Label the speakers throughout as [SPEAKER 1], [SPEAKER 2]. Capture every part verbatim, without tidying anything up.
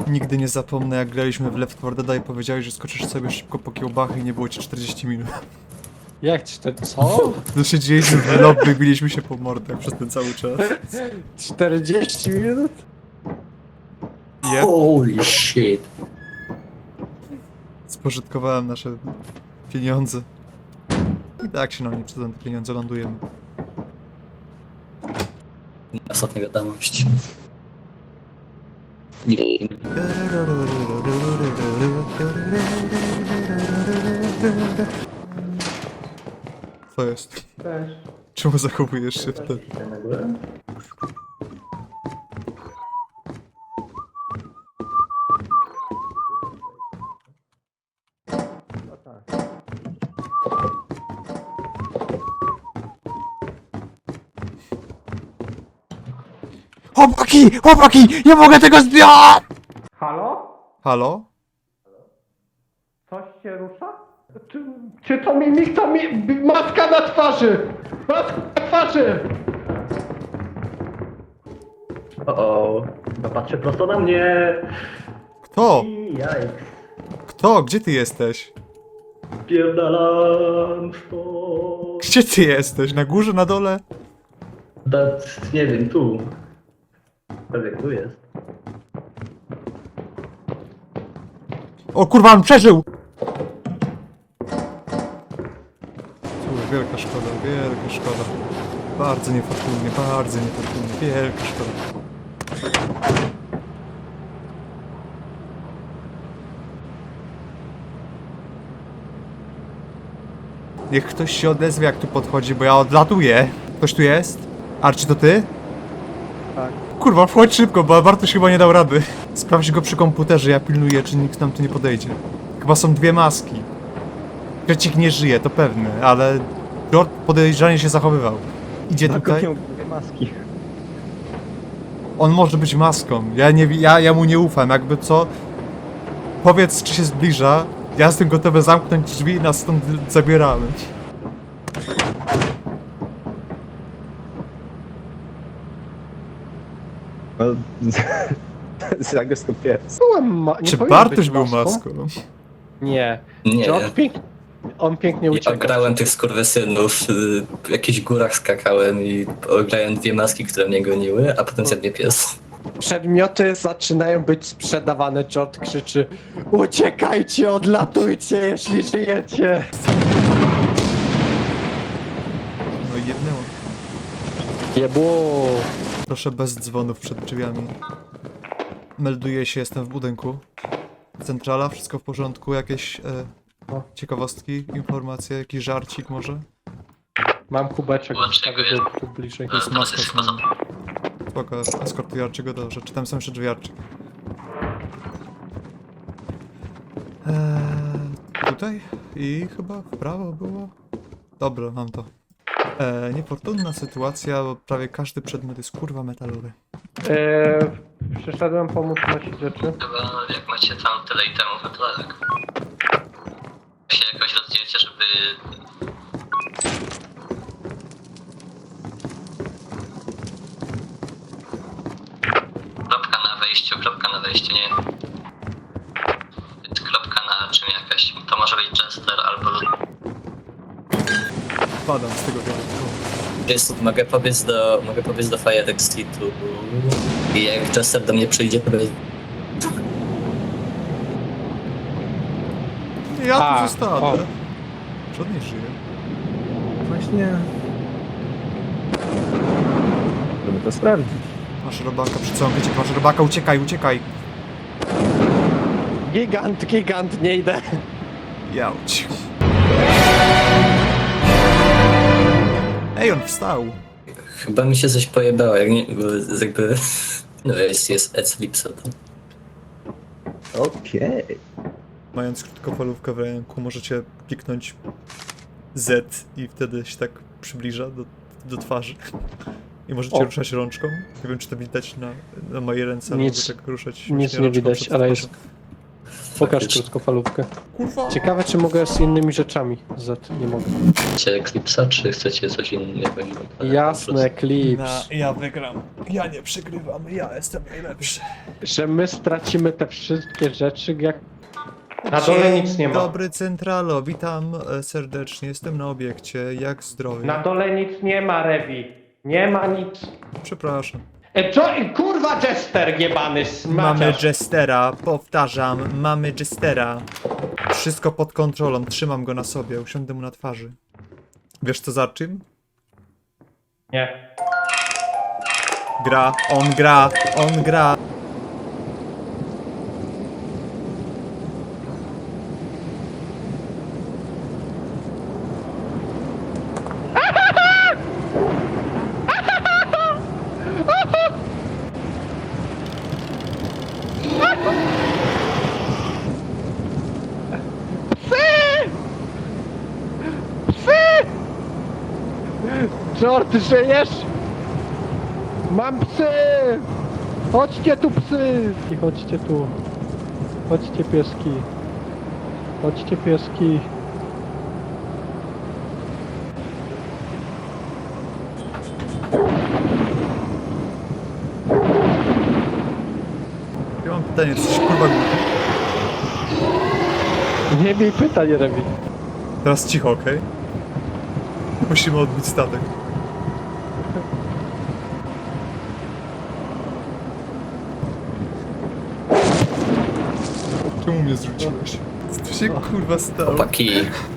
[SPEAKER 1] Nigdy nie zapomnę, jak graliśmy w Left four Dead i powiedziałeś, że skoczysz sobie szybko po kiełbachy i nie było ci czterdzieści minut.
[SPEAKER 2] Jak cztery... Co?
[SPEAKER 1] No siedzieliśmy w lobby, biliśmy się po mordach przez ten cały czas.
[SPEAKER 2] czterdzieści minut?
[SPEAKER 1] Yep.
[SPEAKER 3] Holy shit.
[SPEAKER 1] Spożytkowałem nasze pieniądze. I tak się nam nie przydadzą te pieniądze, lądujemy.
[SPEAKER 3] Ostatnia wiadomość. Nie.
[SPEAKER 1] Co jest?
[SPEAKER 2] Też.
[SPEAKER 1] Czemu zachowujesz się wtedy?
[SPEAKER 3] Na górę?
[SPEAKER 2] No tak.
[SPEAKER 1] Chłopaki! Chłopaki! Nie mogę tego zdjąć!
[SPEAKER 2] Halo?
[SPEAKER 1] Halo?
[SPEAKER 2] Coś się rusza? Czy, czy to mimik, to mi... maska na twarzy! Maska na twarzy!
[SPEAKER 3] O, o. Chyba patrzy prosto na mnie.
[SPEAKER 1] Kto?
[SPEAKER 3] I jajks.
[SPEAKER 1] Kto? Gdzie ty jesteś?
[SPEAKER 3] Pierdalam stąd.
[SPEAKER 1] Gdzie ty jesteś? Na górze, na dole?
[SPEAKER 3] Da, nie wiem, tu. Pewnie tu jest.
[SPEAKER 1] O kurwa, on przeżył! Cóż, wielka szkoda, wielka szkoda. Bardzo niefortunnie, bardzo niefortunnie, wielka szkoda. Niech ktoś się odezwie, jak tu podchodzi, bo ja odlatuję. Ktoś tu jest? Arci, to ty?
[SPEAKER 2] Tak.
[SPEAKER 1] Kurwa, wchodź szybko, bo Bartosz chyba nie dał rady. Sprawdź go przy komputerze, ja pilnuję, czy nikt nam tu nie podejdzie. Chyba są dwie maski. Krecik nie żyje, to pewne, ale George podejrzanie się zachowywał. Idzie tutaj.
[SPEAKER 2] dwie maski.
[SPEAKER 1] On może być maską. Ja, nie, wi- ja, ja mu nie ufam, jakby co. Powiedz, czy się zbliża. Ja jestem gotowy zamknąć drzwi i nas stąd zabieramy.
[SPEAKER 4] No, zagostupiłem.
[SPEAKER 2] Byłem ma... nie
[SPEAKER 1] Czy
[SPEAKER 2] powinien
[SPEAKER 1] Bartosz
[SPEAKER 2] być
[SPEAKER 1] był
[SPEAKER 2] maską?
[SPEAKER 1] maską?
[SPEAKER 2] Nie.
[SPEAKER 3] Nie.
[SPEAKER 2] George pięk... On pięknie
[SPEAKER 3] Ja
[SPEAKER 2] ucieka.
[SPEAKER 3] grałem tych skurwysynów, y, w jakichś górach skakałem i ograłem dwie maski, które mnie goniły, a potem zjadł mnie pies.
[SPEAKER 2] Przedmioty zaczynają być sprzedawane. George krzyczy: uciekajcie, odlatujcie, jeśli żyjecie.
[SPEAKER 1] No i jednęło.
[SPEAKER 2] Jebło.
[SPEAKER 1] Proszę bez dzwonów przed drzwiami. Melduję się, jestem w budynku. Centrala, wszystko w porządku, jakieś e, ciekawostki, informacje, jakiś żarcik może?
[SPEAKER 2] Mam kubeczek, wstawię go tu bliżej.
[SPEAKER 1] To jest maska z nami. Spoko, eskortuję Archiego, dobrze. Czy tam są jeszcze drzwi Archie? Eee, tutaj? I chyba w prawo było? Dobra, mam to. Eee, niefortunna sytuacja, bo prawie każdy przedmiot jest kurwa metalowy.
[SPEAKER 2] Eee, przyszedłem pomóc nosić rzeczy.
[SPEAKER 3] Chyba jak macie tam tyle itemów, to tak. Się jakoś rozdzielcie, żeby... Kropka na wejściu, kropka na wejściu, nie. Kropka na czym jakaś. To może być Jester albo...
[SPEAKER 1] Padam z tego wiatru.
[SPEAKER 3] Jest, mogę pobiec do, mogę pobiec do Fire Exitu i jak Jester do mnie przyjdzie, to będzie...
[SPEAKER 1] Nie, ja
[SPEAKER 2] A,
[SPEAKER 1] tu zostanę.
[SPEAKER 2] o.
[SPEAKER 1] Czy on nie żyje?
[SPEAKER 4] Właśnie. Żeby to sprawdzić.
[SPEAKER 1] Masz robaka, przyciągnie cię, masz robaka, uciekaj, uciekaj.
[SPEAKER 2] Gigant, gigant, nie idę.
[SPEAKER 1] Jałć. Ej, on wstał.
[SPEAKER 3] Chyba mi się coś pojebało, jak nie, bo jakby... No jest, jest Eclipse.
[SPEAKER 4] Okej.
[SPEAKER 1] Mając krótkofalówkę w ręku, możecie kliknąć Z i wtedy się tak przybliża do, do twarzy. I możecie
[SPEAKER 2] O.
[SPEAKER 1] ruszać rączką. Nie wiem, czy to widać na, na mojej ręce, ale
[SPEAKER 2] Nic-
[SPEAKER 1] mogę tak ruszać.
[SPEAKER 2] nic
[SPEAKER 1] właśnie
[SPEAKER 2] nie
[SPEAKER 1] rączką
[SPEAKER 2] widać,
[SPEAKER 1] przed
[SPEAKER 2] ale
[SPEAKER 1] twarzą.
[SPEAKER 2] jest- Pokaż
[SPEAKER 3] Faktycznie.
[SPEAKER 2] krótkofalówkę.
[SPEAKER 1] Kurwa.
[SPEAKER 2] Ciekawe, czy mogę z innymi rzeczami. Z... Nie mogę.
[SPEAKER 3] Chcecie Eclipse'a, czy chcecie coś innego?
[SPEAKER 2] Jasne, klips.
[SPEAKER 1] ja wygram. Ja nie przegrywam, ja jestem najlepszy.
[SPEAKER 2] Że my stracimy te wszystkie rzeczy, jak... Na dole nic nie ma.
[SPEAKER 1] Dobry Centralo, witam e, serdecznie, jestem na obiekcie, jak zdrowie?
[SPEAKER 2] Na dole nic nie ma, Revi. Nie ma nic.
[SPEAKER 1] Przepraszam.
[SPEAKER 2] E, co? Kurwa, Jester jebany,
[SPEAKER 1] Mamy
[SPEAKER 2] smaciarz.
[SPEAKER 1] Jestera, powtarzam, mamy Jestera. Wszystko pod kontrolą, trzymam go na sobie, usiądę mu na twarzy. Wiesz co za czym?
[SPEAKER 2] Nie.
[SPEAKER 1] Gra, on gra, on gra.
[SPEAKER 2] George, ty żyjesz? Mam psy! Chodźcie tu, psy! I chodźcie tu. Chodźcie, pieski. Chodźcie, pieski.
[SPEAKER 1] Ja mam pytanie, coś kurwa głupi.
[SPEAKER 2] Nie miej pytań, Revi.
[SPEAKER 1] Teraz cicho, okej? Musimy odbić statek. Czemu mnie zrzuciłeś? Co tu się kurwa stało?
[SPEAKER 3] Chłopaki.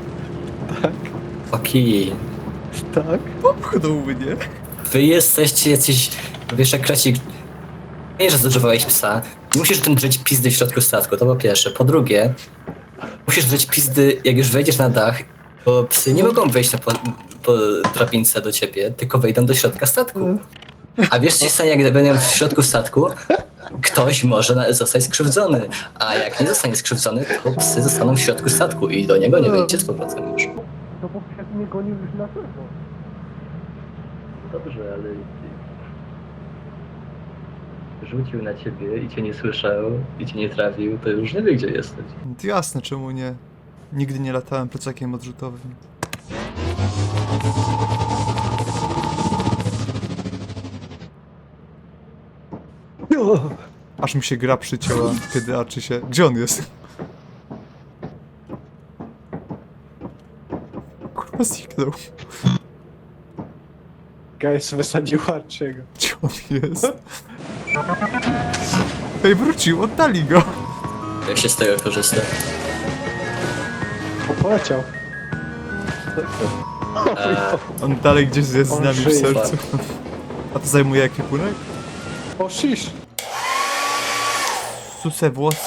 [SPEAKER 3] Chłopaki.
[SPEAKER 2] Tak?
[SPEAKER 1] Popchnął mnie.
[SPEAKER 3] Wy jesteście jacyś... Wiesz, jak krecik... Nie, że zużywałeś psa. Nie musisz tym drzeć pizdy w środku statku, to po pierwsze. Po drugie, musisz drzeć pizdy, jak już wejdziesz na dach, bo psy nie mogą wejść na po, po drabince do ciebie, tylko wejdą do środka statku. A wiesz, co się stanie, jak będą w środku statku? Ktoś może na- zostać skrzywdzony, a jak nie zostanie skrzywdzony, to psy zostaną w środku statku i do niego nie wejdzie z powrotem już.
[SPEAKER 2] No bo przed mnie gonił już na pewno.
[SPEAKER 3] Dobrze, ale... Rzucił na ciebie i cię nie słyszał, i cię nie trafił, to już nie wie, gdzie jesteś.
[SPEAKER 1] Jasne, czemu nie? Nigdy nie latałem plecakiem odrzutowym. Aż mi się gra przycięła, kiedy Archie się... Gdzie on jest? Kurwa zniknął.
[SPEAKER 2] Guys, wysadził Archiego.
[SPEAKER 1] Gdzie on jest? Ej, wrócił, oddali go.
[SPEAKER 3] Jak się z tego korzysta?
[SPEAKER 2] O, poleciał.
[SPEAKER 3] Eee,
[SPEAKER 1] On dalej gdzieś jest z
[SPEAKER 2] On
[SPEAKER 1] nami w
[SPEAKER 2] żyje.
[SPEAKER 1] sercu. A to zajmuje ekwipunek?
[SPEAKER 2] O, shish.
[SPEAKER 1] Suse włoski.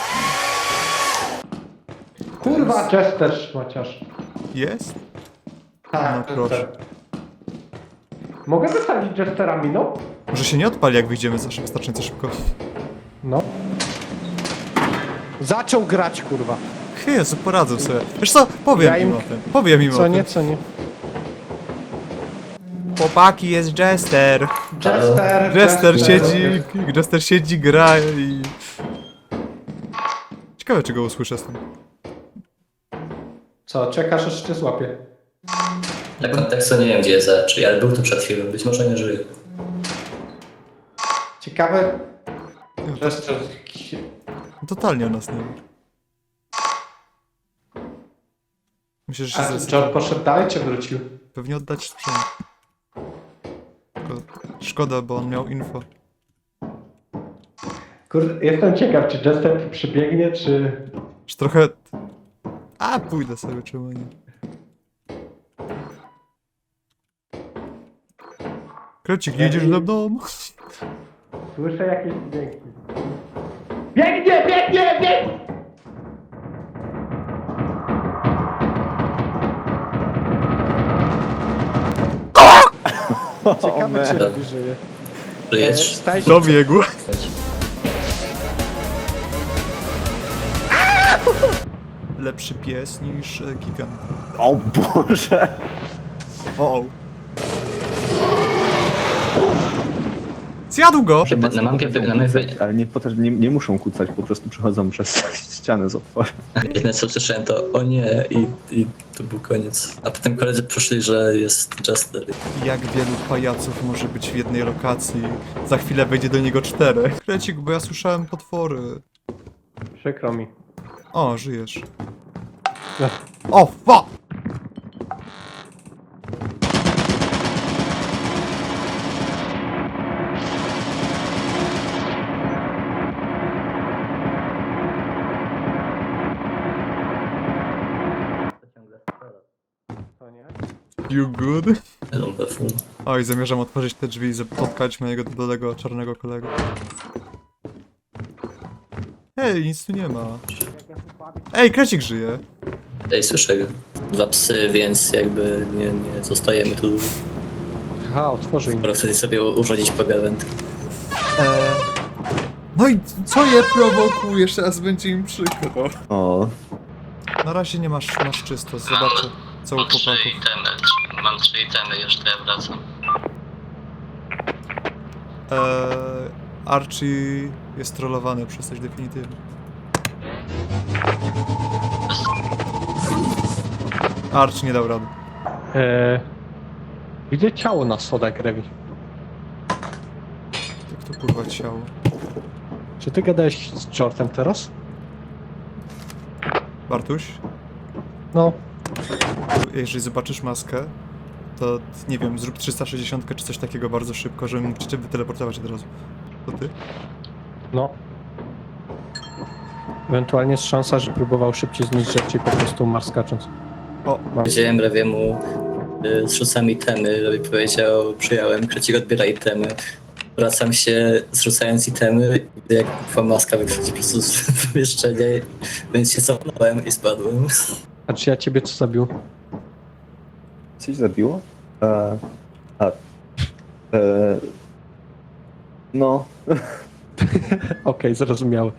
[SPEAKER 2] Kurwa, Jester, szmaciarz.
[SPEAKER 1] Jest?
[SPEAKER 2] Tak,
[SPEAKER 1] No proszę.
[SPEAKER 2] Jester. Mogę wysadzić Jesterami, no?
[SPEAKER 1] Może się nie odpali, jak wyjdziemy za szy- wystarczająco szybko.
[SPEAKER 2] No. Zaczął grać, kurwa.
[SPEAKER 1] Jezu, poradzę sobie. Wiesz co? Powiem
[SPEAKER 2] Ja im-
[SPEAKER 1] im o tym. Powiem im o
[SPEAKER 2] Co
[SPEAKER 1] tym.
[SPEAKER 2] nie, co nie.
[SPEAKER 1] Chłopaki, jest Jester.
[SPEAKER 2] Jester,
[SPEAKER 1] Jester siedzi, Jester siedzi, gra i... Ciekawe, czy go usłyszę z tym.
[SPEAKER 2] Co, czekasz, aż cię złapie.
[SPEAKER 3] dla kontekstu nie wiem, gdzie jest Archie, ale był tu przed chwilą, być może nie żyje.
[SPEAKER 2] Ciekawe.
[SPEAKER 1] No,
[SPEAKER 2] Jester.
[SPEAKER 1] totalnie o nas nie wie. Myślę, że się
[SPEAKER 2] A
[SPEAKER 1] zes...
[SPEAKER 2] John poszedł dalej, czy wrócił?
[SPEAKER 1] Pewnie oddać sprzęt. Tylko szkoda, bo on miał info.
[SPEAKER 2] Kurde, jestem ciekaw, czy Jester tu przybiegnie, czy...
[SPEAKER 1] Już trochę... A, pójdę sobie, czemu nie. Krecik, jedziesz ze mną?
[SPEAKER 2] Słyszę jakieś dźwięki. Biegnie, biegnie, biegnie! Ciekawe, czy robi żyje.
[SPEAKER 3] Żyjesz?
[SPEAKER 2] Staj się,
[SPEAKER 1] Dobiegł. Lepszy pies niż e, gigant.
[SPEAKER 4] O Boże!
[SPEAKER 1] O, o. Zjadł go!
[SPEAKER 3] Na
[SPEAKER 4] Maski
[SPEAKER 3] mapie-
[SPEAKER 4] potrafią
[SPEAKER 3] na mapie-
[SPEAKER 4] kucać, ale nie, potrafi- nie, nie muszą kucać, po prostu przechodzą przez ścianę z otworem.
[SPEAKER 3] Jedyne co słyszałem to o nie i, i to był koniec. A potem koledzy poszli, że jest Jester.
[SPEAKER 1] Jak wielu pajaców może być w jednej lokacji? Za chwilę wejdzie do niego czterech. Krecik, bo ja słyszałem potwory.
[SPEAKER 2] Przykro mi.
[SPEAKER 1] O, żyjesz.
[SPEAKER 2] Ech.
[SPEAKER 1] O, fuck!
[SPEAKER 2] To nie?
[SPEAKER 1] You good?
[SPEAKER 3] Lumpeful.
[SPEAKER 1] Oj, zamierzam otworzyć te drzwi i spotkać mojego dolego czarnego kolegę. Hej, nic tu nie ma. Ej, Krecik żyje.
[SPEAKER 3] Ej, słyszę go. Dwa psy, więc jakby nie, nie zostajemy tu.
[SPEAKER 2] Aha, otworzy im.
[SPEAKER 3] Skoro chcecie sobie urządzić pogawędkę.
[SPEAKER 1] Eee... No i co je prowokujesz? Teraz będzie im przykro.
[SPEAKER 4] O,
[SPEAKER 1] Na razie nie masz, masz czysto, zobaczę co u chłopaków.
[SPEAKER 3] itemy. Mam trzy itemy, już to ja wracam.
[SPEAKER 1] Eee, Archie jest trollowany przez coś definitywnie. Archie nie dał rady.
[SPEAKER 2] Eee, widzę ciało na schodach, Rewi.
[SPEAKER 1] Jak to kurwa ciało?
[SPEAKER 2] Czy ty gadałeś z Jortem teraz?
[SPEAKER 1] Bartuś?
[SPEAKER 2] No.
[SPEAKER 1] Jeżeli zobaczysz maskę, to nie wiem, zrób trzysta sześćdziesiąt czy coś takiego bardzo szybko, żebym mógł cię wyteleportować od razu. To ty?
[SPEAKER 2] No. Ewentualnie jest szansa, że próbował szybciej zniszczyć rzeczy i po prostu umarł skacząc.
[SPEAKER 1] O,
[SPEAKER 2] Mam.
[SPEAKER 3] Powiedziałem Rewiemu, y, zrzucam itemy, Rewi powiedział, przyjąłem, Krecik odbiera itemy. Wracam się, zrzucając itemy, i gdy jak kwa maska wychodzi po prostu z pomieszczenia, więc się cofnąłem i spadłem.
[SPEAKER 2] A czy ja ciebie co zabił?
[SPEAKER 4] coś zabiło? E, a, e, no,
[SPEAKER 2] Okej, zrozumiałe.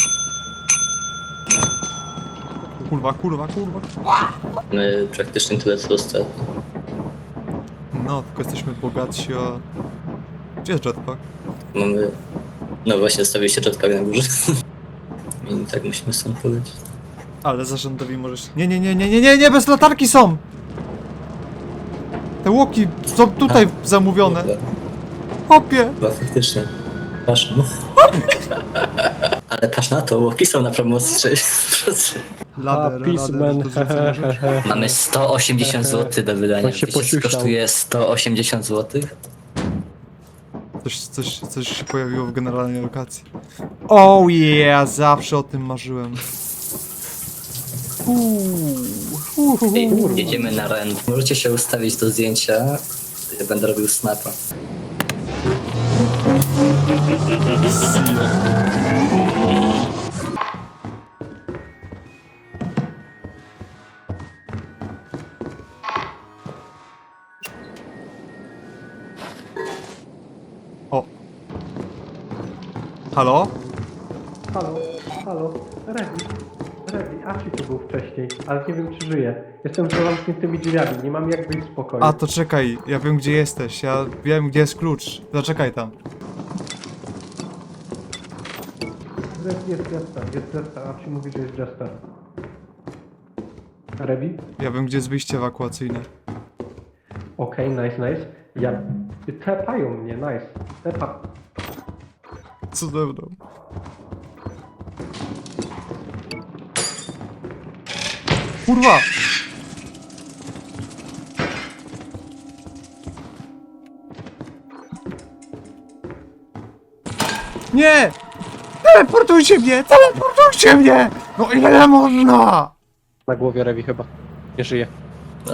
[SPEAKER 1] kurwa, kurwa, kurwa.
[SPEAKER 3] My praktycznie tyle co ostatnio.
[SPEAKER 1] No, tylko jesteśmy bogatsi, a... Gdzie jest jetpack?
[SPEAKER 3] Mamy... No właśnie, stawiliście jetpack na górze. I tak musimy stąd powiedzieć.
[SPEAKER 1] Ale zarządowi możesz... Nie, nie, nie, nie, nie, nie, nie, bez latarki są! Te łoki są tutaj zamówione.
[SPEAKER 3] Chyba,
[SPEAKER 1] Hopie!
[SPEAKER 3] chyba faktycznie. Patrz, no. Ale patrz na to, łoki są na promocji sześćdziesiąt procent.
[SPEAKER 1] Lader,
[SPEAKER 2] Peaceman.
[SPEAKER 1] lader, to zrzucenie rzeczy.
[SPEAKER 3] Mamy sto osiemdziesiąt złotych do wydania.
[SPEAKER 2] On się
[SPEAKER 3] Wiecie, co
[SPEAKER 2] posiusiał.
[SPEAKER 3] kosztuje sto osiemdziesiąt złotych?
[SPEAKER 1] Coś, coś, coś się pojawiło w generalnej lokacji. Oh yeah, zawsze o tym marzyłem. Uuu, uuu.
[SPEAKER 3] Jedziemy na rent. Możecie się ustawić do zdjęcia. Ja będę robił snapa.
[SPEAKER 1] O. Halo?
[SPEAKER 2] Halo, halo, Rewi. Rewi, Archie tu był wcześniej, ale nie wiem czy żyje. Jestem za zamkniętymi drzwiami, nie mam jak wyjść z pokoju.
[SPEAKER 1] A to czekaj, ja wiem gdzie jesteś, ja wiem gdzie jest klucz. Zaczekaj tam.
[SPEAKER 2] Jest, jest Jester, jest Jester, Archie mówi, że jest Jester. Rewi?
[SPEAKER 1] Ja wiem gdzie jest wyjście ewakuacyjne.
[SPEAKER 2] Okej, nice, nice. Ja... Tepają mnie, nice. Tepa...
[SPEAKER 1] Co ze mną? Kurwa! Nie! Teleportujcie mnie! Teleportujcie mnie! No ile można?
[SPEAKER 2] Na głowie Rewi chyba. Nie żyje.
[SPEAKER 3] E...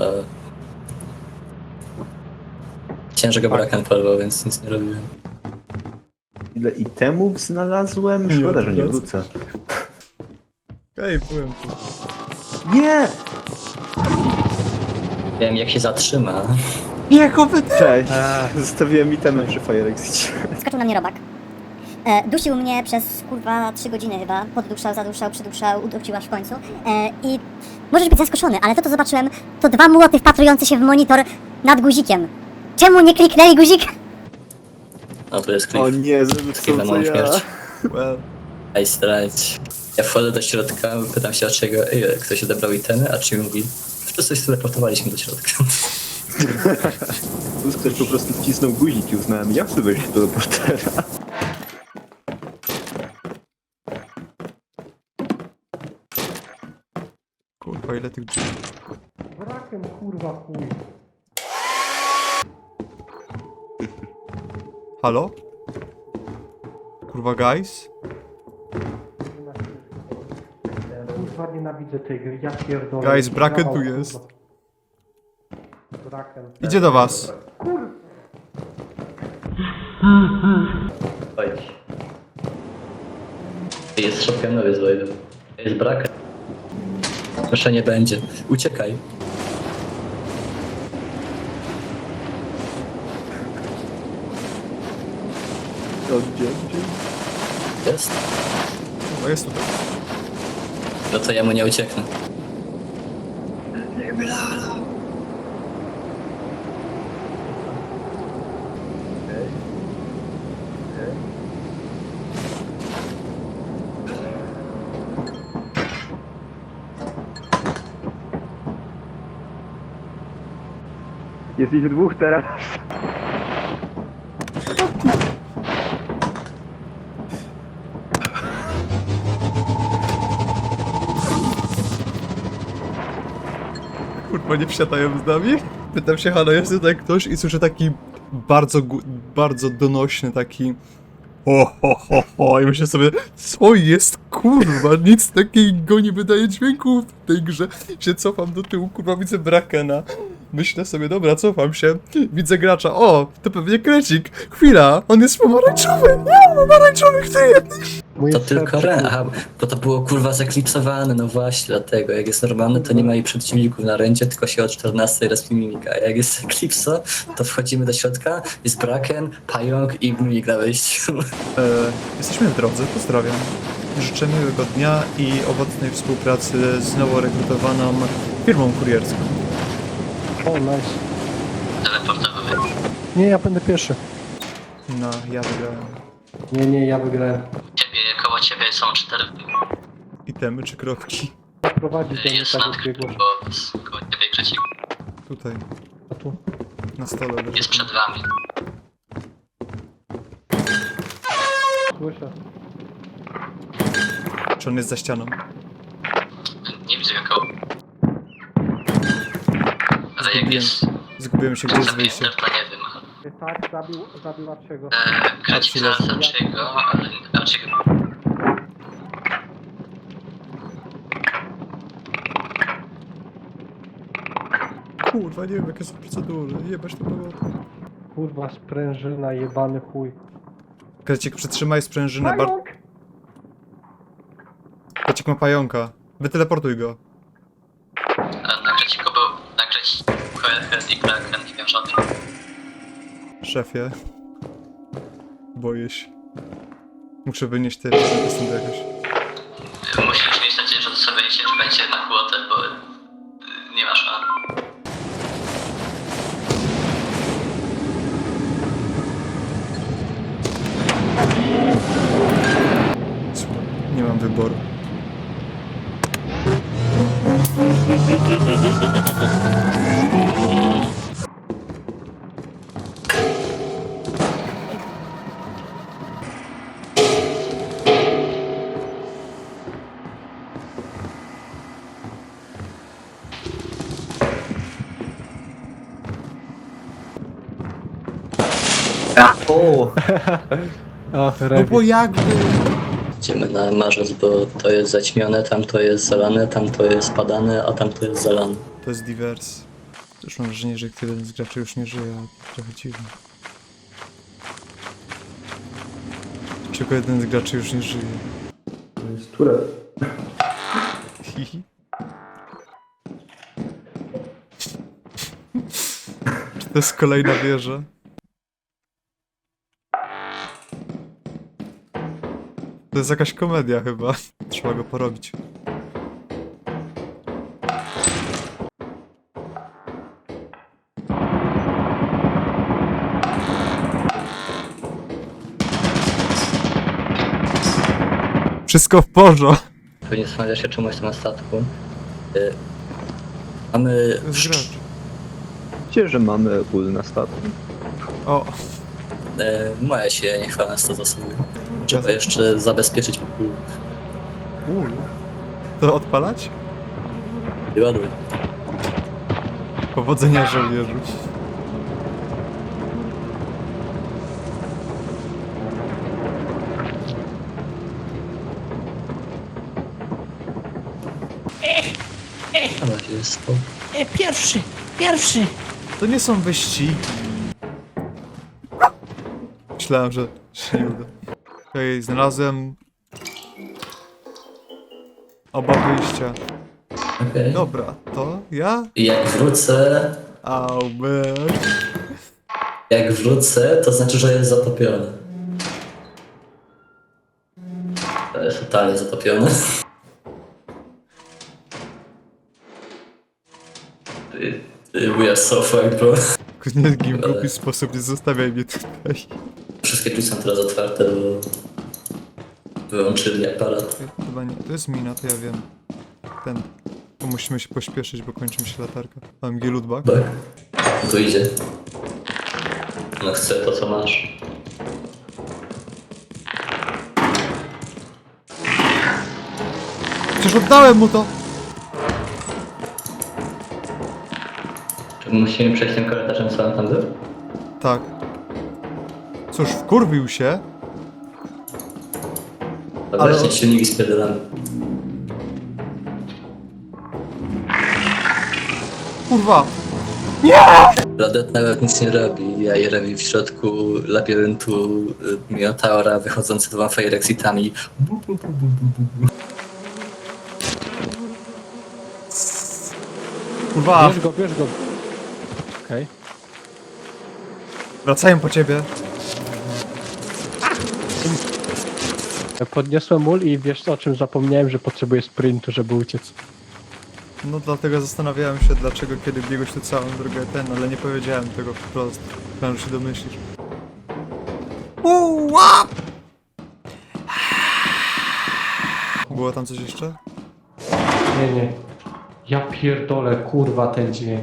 [SPEAKER 3] Chciałem, że go brakan polował, więc nic nie robiłem.
[SPEAKER 4] ile itemów znalazłem? Szkoda, że nie wrócę.
[SPEAKER 1] Ej, byłem tu.
[SPEAKER 4] Nie!
[SPEAKER 3] Wiem jak się zatrzyma.
[SPEAKER 1] Jego wyda...
[SPEAKER 4] Cześć! Zostawiłem itemy przy Fire Exicie.
[SPEAKER 5] Skoczył na mnie robak. E, dusił mnie przez kurwa trzy godziny chyba. Podduszał, zaduszał, przyduszał, udusił aż w końcu. E, I możesz być zaskoczony, ale to co zobaczyłem, to dwa młoty wpatrujące się w monitor nad guzikiem. Czemu nie kliknęli guzik?
[SPEAKER 3] No to jest klip.
[SPEAKER 4] O nie, zrobisz
[SPEAKER 3] Klip na
[SPEAKER 4] to co
[SPEAKER 3] moją
[SPEAKER 4] ja.
[SPEAKER 3] śmierć.
[SPEAKER 1] Well.
[SPEAKER 3] Ej, strać. Ja wchodzę do środka, pytam się dlaczego ej, ktoś odebrał itemy, a czy mówi, wszyscy się teleportowaliśmy do środka.
[SPEAKER 4] Tu ktoś po prostu wcisnął guzik i uznałem, ja chcę wejść do portera.
[SPEAKER 1] Kurwa, ile tych drzwi.
[SPEAKER 2] Brakiem kurwa chuj.
[SPEAKER 1] Halo? Kurwa, guys?
[SPEAKER 2] Kurwa nienawidzę tej gry, ja pierdolę.
[SPEAKER 1] Guys, Braken tu
[SPEAKER 2] Kurwa.
[SPEAKER 1] jest.
[SPEAKER 2] Braken.
[SPEAKER 1] Idzie do was.
[SPEAKER 3] Chodź. Jest shotgunowy z Lloydem. Jest brak. Proszę nie będzie. Uciekaj.
[SPEAKER 4] O, gdzie, gdzie?
[SPEAKER 3] Jest?
[SPEAKER 1] Kurwa, jest tutaj.
[SPEAKER 3] No to ja mu nie ucieknę.
[SPEAKER 4] Jest ich dwóch teraz.
[SPEAKER 1] Kurwa, nie wsiadają z nami? Pytam się, halo, jest tutaj ktoś i słyszę taki bardzo, gu- bardzo donośny taki ho, ho, ho, ho, i myślę sobie, co jest, kurwa, nic takiego nie wydaje dźwięku w tej grze. Się cofam do tyłu, kurwa, widzę Brakena. Myślę sobie, dobra, cofam się, widzę gracza, o, to pewnie Krecik. Chwila, on jest pomarańczowy, nie, pomarańczowy, kto jest?
[SPEAKER 2] Moje
[SPEAKER 3] To tylko
[SPEAKER 2] serce,
[SPEAKER 3] Ren.
[SPEAKER 2] kurwa.
[SPEAKER 3] Aha, bo to było kurwa zaklipsowane, no właśnie, dlatego. Jak jest normalny, to nie ma jej przeciwników na rędzie, tylko się o czternastej respi mimika. A jak jest Eclipso, to wchodzimy do środka, jest Braken, Pająk i mimik na wejściu.
[SPEAKER 1] E, jesteśmy w drodze, pozdrawiam. Życzę miłego dnia i owocnej współpracy z nowo rekrutowaną firmą kurierską.
[SPEAKER 2] O, nice.
[SPEAKER 3] Teleportowy.
[SPEAKER 2] Nie, ja będę pierwszy.
[SPEAKER 1] No, ja wygrałem.
[SPEAKER 2] Nie, nie, ja wygrałem.
[SPEAKER 3] Ciebie, koło ciebie są cztery.
[SPEAKER 1] Itemy czy kropki?
[SPEAKER 2] Prowadzić do mnie tak biegło.
[SPEAKER 3] bo koło ciebie Krecik
[SPEAKER 1] Tutaj,
[SPEAKER 2] A tu.
[SPEAKER 1] na stole leży.
[SPEAKER 3] jest przed wami.
[SPEAKER 2] Słyszę.
[SPEAKER 1] Czy on jest za ścianą?
[SPEAKER 3] Nie widzę go koło. Ale jak
[SPEAKER 1] Zgubiłem,
[SPEAKER 3] jest
[SPEAKER 1] zgubiłem się, gdzie jest wyjście.
[SPEAKER 3] zamknięte, to nie wiem.
[SPEAKER 2] Tak, zabił, zabił Arciego.
[SPEAKER 3] Eee, Krecik
[SPEAKER 1] Archie
[SPEAKER 3] za Archiego, ale Archiego.
[SPEAKER 1] Kurwa, nie wiem jakie są procedury, jebać to było.
[SPEAKER 2] Kurwa, sprężyna, jebany chuj.
[SPEAKER 1] Krecik, przytrzymaj sprężynę, bar... Krecik ma pająka. Wyteleportuj go.
[SPEAKER 3] Na Kreciku był, na Kreciku Head i Kraken i miał żadnych.
[SPEAKER 1] Szefie. Boję się. Muszę wynieść te rzeczy stąd jakoś.
[SPEAKER 3] Musisz mieć nadzieję, że to sobie wejdzie, że będzie na kłotę, bo y, nie ma szans.
[SPEAKER 1] Słuchaj, nie mam wyboru.
[SPEAKER 4] O!
[SPEAKER 2] O,
[SPEAKER 1] No
[SPEAKER 2] Rewi.
[SPEAKER 1] bo jakby...
[SPEAKER 3] Idziemy na marzec, bo to jest zaćmione, tam to jest zalane, tam to jest padane, a tam to jest zalane.
[SPEAKER 1] To jest divers. Też mam wrażenie, że jeden z graczy już nie żyje, a trochę dziwne. Czego jeden z graczy już nie żyje?
[SPEAKER 4] To jest Turet.
[SPEAKER 1] Hihi. Czy to jest kolejna wieża? To jest jakaś komedia chyba. Trzeba go porobić. Wszystko w porządku.
[SPEAKER 3] Pewnie zastanawiasz się czemu jestem na statku. Y, Mamy...
[SPEAKER 1] Zgracz.
[SPEAKER 4] Wiecie, że mamy ul na statku?
[SPEAKER 1] O,
[SPEAKER 3] E, moje się niechwalne sto zasoby. Trzeba jeszcze zabezpieczyć pokój.
[SPEAKER 1] ul. To odpalać?
[SPEAKER 3] I ładuj.
[SPEAKER 1] Powodzenia żołnierzu.
[SPEAKER 3] Ale jest to.
[SPEAKER 6] E, pierwszy, pierwszy.
[SPEAKER 1] To nie są wyścigi. Myślałem, że się nie uda. Okej, znalazłem oba wyjścia.
[SPEAKER 3] Okej.
[SPEAKER 1] Dobra, to ja?
[SPEAKER 3] I jak wrócę...
[SPEAKER 1] Au, man.
[SPEAKER 3] Jak wrócę, to znaczy, że jest zatopiony. To jest totalnie zatopiony. Ty- ty, We are so fucked, bro.
[SPEAKER 1] Nie w głupi sposób, nie zostawiaj mnie tutaj.
[SPEAKER 3] Wszystkie drzwi są teraz otwarte, bo wyłączyli aparat.
[SPEAKER 1] Chyba nie, to jest mina, to ja wiem. Ten. Tu musimy się pośpieszyć, bo kończy mi się latarka. Mam G-Lootback.
[SPEAKER 3] Tak. Tu idzie. No chcę to, co masz.
[SPEAKER 1] Przecież oddałem mu to!
[SPEAKER 3] Czy musimy przejść tym korytarzem, co on tam był?
[SPEAKER 1] Tak. Cóż, wkurwił się.
[SPEAKER 3] Dobra,
[SPEAKER 1] Ale-
[SPEAKER 3] ale... silniki spierdolamy.
[SPEAKER 1] Kurwa!
[SPEAKER 3] Radet nawet nic nie robi, ja je robi w środku labiryntu y, Minotaura wychodzący dwoma fire exitami.
[SPEAKER 1] Kurwa!
[SPEAKER 2] Bierz go, bierz go. Okej.
[SPEAKER 1] Wracają po ciebie.
[SPEAKER 2] Podniosłem ul i wiesz co, o czym zapomniałem, że potrzebuję sprintu, żeby uciec.
[SPEAKER 1] No dlatego zastanawiałem się, dlaczego kiedy biegłeś tu całą drogę ten, ale nie powiedziałem tego wprost. Myślałem, że się domyślisz. Uła! Było tam coś jeszcze?
[SPEAKER 2] Nie, nie. Ja pierdolę, kurwa, ten dźwięk.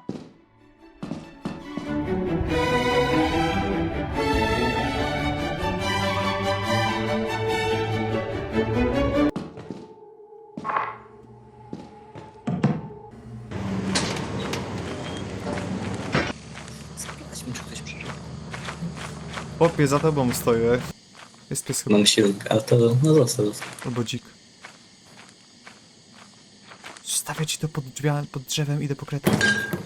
[SPEAKER 3] Sprawdźmy, czy ktoś przeżył.
[SPEAKER 1] Popie, za tobą stoję. Jest pies chyba.
[SPEAKER 3] Mam silnik, ale to no został. został.
[SPEAKER 1] Albo dzik. Stawię ci to pod, drzwiami, pod drzewem, idę po kretę.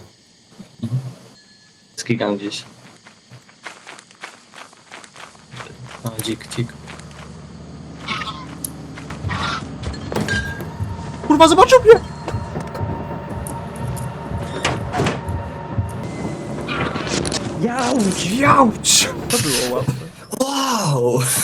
[SPEAKER 3] Skigam gdzieś. O, dzik, dzik.
[SPEAKER 1] Kurwa, zobaczył mnie! Jauć! Jauć! To było łatwe.
[SPEAKER 3] Wow!